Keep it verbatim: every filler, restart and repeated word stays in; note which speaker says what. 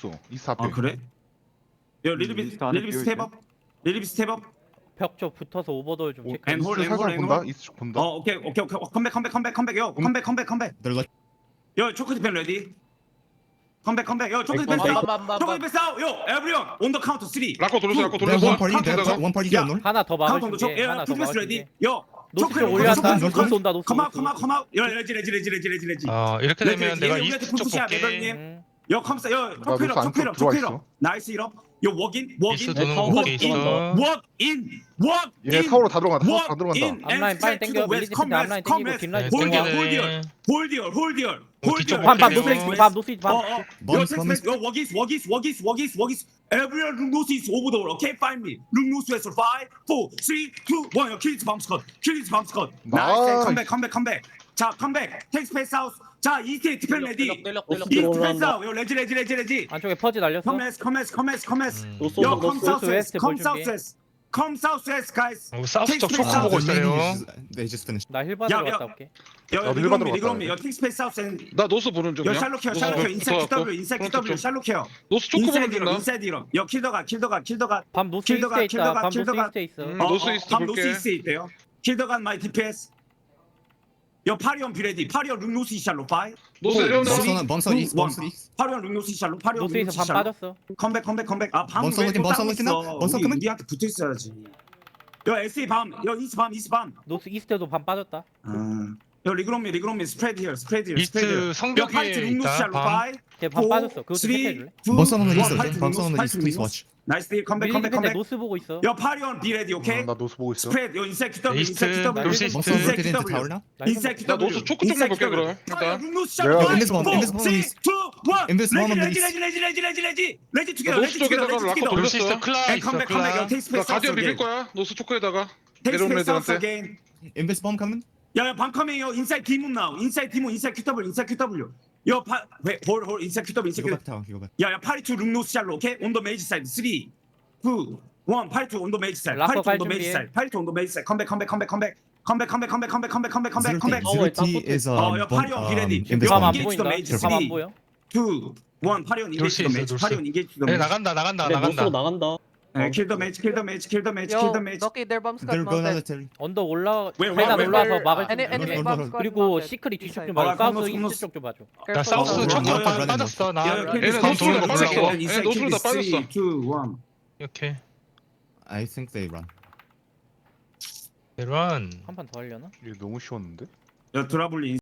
Speaker 1: 있어. 이스 앞에.
Speaker 2: 아 그래? 야 리리비
Speaker 3: 안에
Speaker 2: 리리비
Speaker 3: 비어
Speaker 2: 스텝업 리리비 스텝업
Speaker 4: 벽 쪽 붙어서 오버돌 좀
Speaker 1: 오,
Speaker 4: 체크해.
Speaker 2: 앤홀,
Speaker 1: 이스 살살
Speaker 2: 앤홀,
Speaker 1: 본다.
Speaker 2: 앤홀.
Speaker 1: 이스 쪽 본다.
Speaker 2: 어 오케이 오케이 오케이 컴백 컴백 컴백 컴백 컴백 요 컴백 컴백 컴백
Speaker 5: They're like
Speaker 2: 요 초크 디펜 레디 컴백 컴백 요 초크 디펜
Speaker 3: 컴백.
Speaker 2: 싸우 초크 디펜 싸우 요 에브리온 온더 카운트 쓰리
Speaker 6: 라코 돌렸어 라코
Speaker 5: they have
Speaker 6: 돌렸어
Speaker 5: one party. They have
Speaker 6: 카운트에다가
Speaker 5: one party
Speaker 2: 야.
Speaker 5: here. No.
Speaker 4: 하나 더
Speaker 2: 카운트 온더
Speaker 4: 막아줄게.
Speaker 2: 초
Speaker 4: 하나
Speaker 2: 예,
Speaker 4: 더
Speaker 2: 투 디펜스
Speaker 4: 막아줄게.
Speaker 2: 레디 요
Speaker 4: 노스
Speaker 2: 초크
Speaker 4: 쪽 올렸다.
Speaker 2: 초크
Speaker 4: 노스 온다. 노스.
Speaker 2: 컴아
Speaker 4: 노스.
Speaker 2: 컴아 컴아 요 레지 레지 레지 레지 레지 레지
Speaker 7: 어 이렇게
Speaker 2: 레지,
Speaker 7: 되면
Speaker 2: 레지.
Speaker 7: 내가
Speaker 2: 얘네
Speaker 7: 이스트
Speaker 2: 우리한테
Speaker 7: 쪽
Speaker 2: 푸시야,
Speaker 7: 볼게.
Speaker 2: 매별님.
Speaker 4: 음.
Speaker 2: 요 컴사 요
Speaker 1: 나
Speaker 2: 초크
Speaker 1: 노스
Speaker 2: 이럽 초크 이럽
Speaker 1: 안쪽
Speaker 2: 초크
Speaker 1: 들어와
Speaker 2: 이럽
Speaker 1: 있어.
Speaker 2: 나이스 이럽 요 워긴 워긴
Speaker 7: 이스트 도는
Speaker 2: 워크
Speaker 7: 볼게
Speaker 2: 인
Speaker 7: 있어.
Speaker 2: 워크 인 워크
Speaker 1: 얘
Speaker 2: 인
Speaker 1: 사우로 다 들어간다. 사우로 다
Speaker 2: 워크
Speaker 1: 들어간다.
Speaker 2: 인
Speaker 4: 앞라인 빨리 땡겨. 밀리지 텐데 앞라인 땡기고 뒷라인
Speaker 2: 홀디얼
Speaker 4: 땡겨.
Speaker 2: 홀디얼 홀디얼 홀디얼
Speaker 7: 어, 뒤쪽
Speaker 2: 홀디얼
Speaker 4: 밤밤
Speaker 7: 볼게요.
Speaker 4: 노스 이스트 밤 노스 이스트 밤.
Speaker 2: 어어
Speaker 5: Bomb
Speaker 2: 요
Speaker 5: coming.
Speaker 2: 섹스 요 워기스 워기스 워기스 워기스 워기스 everyone look north east over the world okay find me look north west five four three two one 요 킬리즈 밤 스컷 킬리즈 밤 스컷 나이스
Speaker 1: 나이스.
Speaker 2: 컴백 컴백 컴백 자 컴백 텍 스페이스 사우스 자 이스트 디펜 레디
Speaker 3: 떼력, 떼력,
Speaker 2: 이스트
Speaker 3: 떼력.
Speaker 2: 디펜 사우스 요 레지 레지 레지 레지
Speaker 4: 안쪽에 퍼지 날렸어.
Speaker 2: 커메스 커메스 커메스 커메스
Speaker 7: 음.
Speaker 3: 노스
Speaker 2: 요
Speaker 3: 온다,
Speaker 2: 컴
Speaker 3: 노스.
Speaker 2: 사우스 웨스트
Speaker 4: 웨스트
Speaker 2: 컴
Speaker 4: 볼
Speaker 2: 사우스
Speaker 4: 준비.
Speaker 2: 웨스트 컴 사우스 웨스트 가이스
Speaker 7: 어, 사우스 쪽 초코
Speaker 2: 텍스트
Speaker 7: 보고
Speaker 5: The
Speaker 7: 있어요.
Speaker 5: main is- They just finished.
Speaker 4: 나 힐 받으러
Speaker 2: 야, 야.
Speaker 4: 갔다 올게.
Speaker 2: 여
Speaker 1: 나도
Speaker 2: 리그롬미
Speaker 1: 일반으로
Speaker 2: 리그롬미
Speaker 1: 갔다
Speaker 2: 여 텍 스페이스 사우스 앤
Speaker 6: 나 노스 보는
Speaker 2: 여
Speaker 6: 중이야
Speaker 2: 샬로케어
Speaker 6: 노스
Speaker 2: 샬로케어
Speaker 6: 좀
Speaker 2: 인사이드
Speaker 6: 붙어갖고.
Speaker 2: 큐더블 인사이드
Speaker 6: 프론트
Speaker 2: 큐더블
Speaker 6: 좀.
Speaker 2: 샬로케어
Speaker 6: 노스 초코 보는
Speaker 2: 인사이드 이런
Speaker 6: 중이다
Speaker 2: 인사이드 이런 여 킬더가 킬더가 킬더가
Speaker 4: 밤 노스
Speaker 2: 킬더가,
Speaker 4: 이스트에 있다.
Speaker 2: 킬더가,
Speaker 4: 밤 노스
Speaker 2: 킬더가.
Speaker 4: 이스트에 있어.
Speaker 6: 음.
Speaker 2: 어,
Speaker 6: 노스
Speaker 2: 어,
Speaker 6: 이스트
Speaker 2: 밤
Speaker 6: 볼게.
Speaker 2: 노스 이스트에 있대요 킬더간 마이 디피에스 여 파리온 비레디 파리온 룩 노스 이샬로 파이
Speaker 6: 노스
Speaker 2: 오,
Speaker 6: 내려온다
Speaker 2: 쓰리,
Speaker 5: Bombs on bombs on east.
Speaker 2: two,
Speaker 5: Bombs
Speaker 2: one.
Speaker 5: on east.
Speaker 2: 파리온 룩 노스 이샬로 파리온 룩
Speaker 4: 노스에서
Speaker 2: 노스
Speaker 4: 밤
Speaker 2: 이샬로
Speaker 4: 빠졌어.
Speaker 2: 컴백 컴백 컴백 아밤
Speaker 5: 먼저
Speaker 2: 왜
Speaker 5: looking,
Speaker 2: 또
Speaker 5: 먼저
Speaker 2: 따고
Speaker 5: looking
Speaker 2: 있어
Speaker 5: up, 먼저
Speaker 2: 우리
Speaker 5: coming.
Speaker 2: 우리한테 붙어 있어야지 여 에스이 밤여 이스 밤 이스 밤
Speaker 4: 노스 이스트도 밤 빠졌다.
Speaker 2: 아. 여 리그롬미 리그롬미 스프레드 히어 스프레드 히어 스프레드
Speaker 7: 이스트
Speaker 2: 여
Speaker 7: 성벽
Speaker 2: 파이트
Speaker 7: 위에
Speaker 2: 룩 노스
Speaker 7: 있다.
Speaker 2: 이샬로
Speaker 7: 밤.
Speaker 2: 파이
Speaker 4: 걔밤 빠졌어. 그거 좀 체크해줄래?
Speaker 5: Bombs on the east.
Speaker 2: 파이트
Speaker 5: Bombs on
Speaker 2: 룩
Speaker 5: the
Speaker 2: 노스
Speaker 5: east. Please watch.
Speaker 2: 나이스 딜 컴백
Speaker 4: 밀리지
Speaker 2: 컴백
Speaker 4: 텐데
Speaker 2: 컴백
Speaker 4: 노스 보고 있어.
Speaker 2: 여 파리온 비레디 오케이
Speaker 1: 음, 나 노스 보고 있어.
Speaker 2: 스프레드 요 인사이드 큐더블
Speaker 7: 이스트,
Speaker 2: 인사이드 큐더블
Speaker 7: 노스
Speaker 5: Bombs
Speaker 7: 이스트.
Speaker 5: on
Speaker 2: 인사이드
Speaker 5: rotated into
Speaker 2: 큐더블
Speaker 5: tower now.
Speaker 2: 인사이드
Speaker 6: 나
Speaker 2: 큐더블
Speaker 6: 노스 초코 좀 볼게 그럼 일단
Speaker 1: 내가
Speaker 5: Invisible, invisible on east. Invisible on
Speaker 2: 레지
Speaker 5: east.
Speaker 2: 레지 레지 레지 레지 레지 레지 투게더
Speaker 6: 노스
Speaker 2: 레지 투게더
Speaker 6: 쪽에다가
Speaker 2: 레지
Speaker 6: 라커
Speaker 2: 투게더
Speaker 6: 돌렸어.
Speaker 7: 노스 이스트 클라
Speaker 2: 앤
Speaker 7: 있어.
Speaker 2: 컴백 컴백 여
Speaker 7: 클라.
Speaker 2: 테이크
Speaker 6: 나
Speaker 2: 스페이스
Speaker 6: 가디언 비빌
Speaker 2: 사우스
Speaker 6: 거야 노스 초코에다가
Speaker 2: 테이크
Speaker 6: 내려온
Speaker 2: 스페이스 사우스
Speaker 6: 애들한테
Speaker 2: 어게인
Speaker 5: Invis bomb coming.
Speaker 2: 야야 방컴이에요 인사이드 디문 나우 인사이드 디문 인사이드 큐더블 인사이드 큐더블 여파홀홀 인사이드 큐더블
Speaker 5: You
Speaker 2: 인사이드
Speaker 5: go
Speaker 2: 큐더블
Speaker 5: back tower. You go back.
Speaker 2: 야야 파리투 룩노스 샬로 오케이 온더 메이지 사이드 쓰리 투 원 파리투 온더 메이지 사이드
Speaker 4: 라커
Speaker 2: 파리투
Speaker 4: 갈
Speaker 2: 온더 메이지
Speaker 4: 준비해.
Speaker 2: 사이드 파리투 온더 메이지 사이드 컴백 컴백 컴백 컴백 컴백 컴백 컴백 컴백 컴백 컴백 컴백
Speaker 5: Zero
Speaker 2: 컴백
Speaker 5: T. Zero T is um,
Speaker 2: 어여
Speaker 5: bomb,
Speaker 2: 파리온
Speaker 5: um,
Speaker 2: 비레디
Speaker 5: Invis
Speaker 4: 밤 안
Speaker 5: bomb.
Speaker 2: engage the
Speaker 4: 보인다.
Speaker 2: mage.
Speaker 4: 밤 안
Speaker 2: 쓰리,
Speaker 4: 보여.
Speaker 2: 투 원 파리온
Speaker 7: 놀수
Speaker 2: 인게이지 더
Speaker 7: 있어,
Speaker 2: 메이지
Speaker 7: 놀수
Speaker 2: 파리온 인게이지 더
Speaker 7: 네
Speaker 2: 메이지
Speaker 7: 나간다 나간다
Speaker 3: 그래
Speaker 7: 나간다.
Speaker 3: 노스로 나간다
Speaker 2: 킬 더 메이지 킬 더 메이지 킬 더 메이지 킬
Speaker 8: Yo,
Speaker 2: 더 메이지
Speaker 8: Doki, their bombs got
Speaker 5: They're going
Speaker 8: mounted.
Speaker 5: military.
Speaker 4: 언덕 올라
Speaker 2: 왜, 왜,
Speaker 4: 계단
Speaker 2: 왜,
Speaker 4: 올라와서
Speaker 8: Their,
Speaker 4: 막을
Speaker 8: uh,
Speaker 4: 수
Speaker 8: enemy,
Speaker 4: 있는.
Speaker 8: enemy bombs got
Speaker 4: 그리고
Speaker 8: mounted.
Speaker 4: 시크릿 뒤쪽 좀
Speaker 2: 아,
Speaker 4: 봐줘. 사우스
Speaker 2: 콘노스,
Speaker 4: 이스트 쪽 좀 봐줘.
Speaker 7: 나
Speaker 8: Careful.
Speaker 7: 사우스
Speaker 2: 어,
Speaker 7: 초코
Speaker 2: 어, 어,
Speaker 7: 반 빠졌어. 나
Speaker 2: 야,
Speaker 6: 얘네
Speaker 7: 얘네 너무
Speaker 6: 노스로
Speaker 7: 도는 거
Speaker 6: 빠졌어.
Speaker 7: 몰랐어.
Speaker 6: 얘네 노스로 다 빠졌어.
Speaker 2: 투 원
Speaker 7: 이렇게
Speaker 5: I think they run.
Speaker 7: 이런.
Speaker 4: 한 판 더 하려나?
Speaker 1: 이게 너무 쉬웠는데?
Speaker 2: 야 드라블리